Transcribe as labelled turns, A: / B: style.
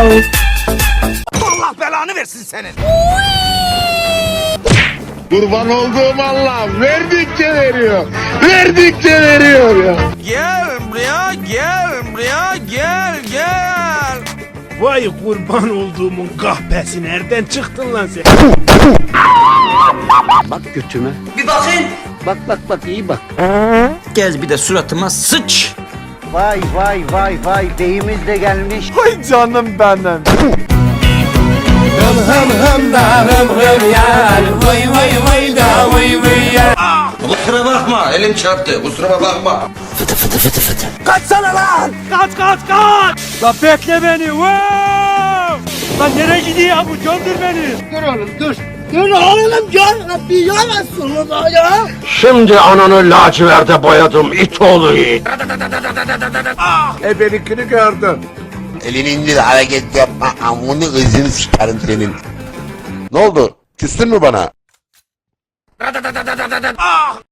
A: Allah belanı versin senin.
B: Kurban olduğum Allah verdikçe veriyor. Verdikçe veriyor ya.
A: Gel buraya, gel buraya, gel.
C: Vay kurban olduğumun kahpesi, nereden çıktın lan sen?
D: Bak götüme.
E: Bir bakayım.
D: Bak iyi bak.
E: Gez bir de suratıma sıç.
D: Vay beyimiz de gelmiş.
A: Ay canım benim.
F: Kusura bakma, elim çarptı. Kusura bakma.
A: Kaçsana lan. Kaç. Lan bekle beni. Wow. Lan nereye gidiyor bu? Göndür beni.
B: Şimdi ananı laciverde boyadım it oğlu it. Ebelikini gördüm.
F: Elini indir, hareket yapma. Amını ızını sikerim senin. Ne oldu? Küstün mü bana?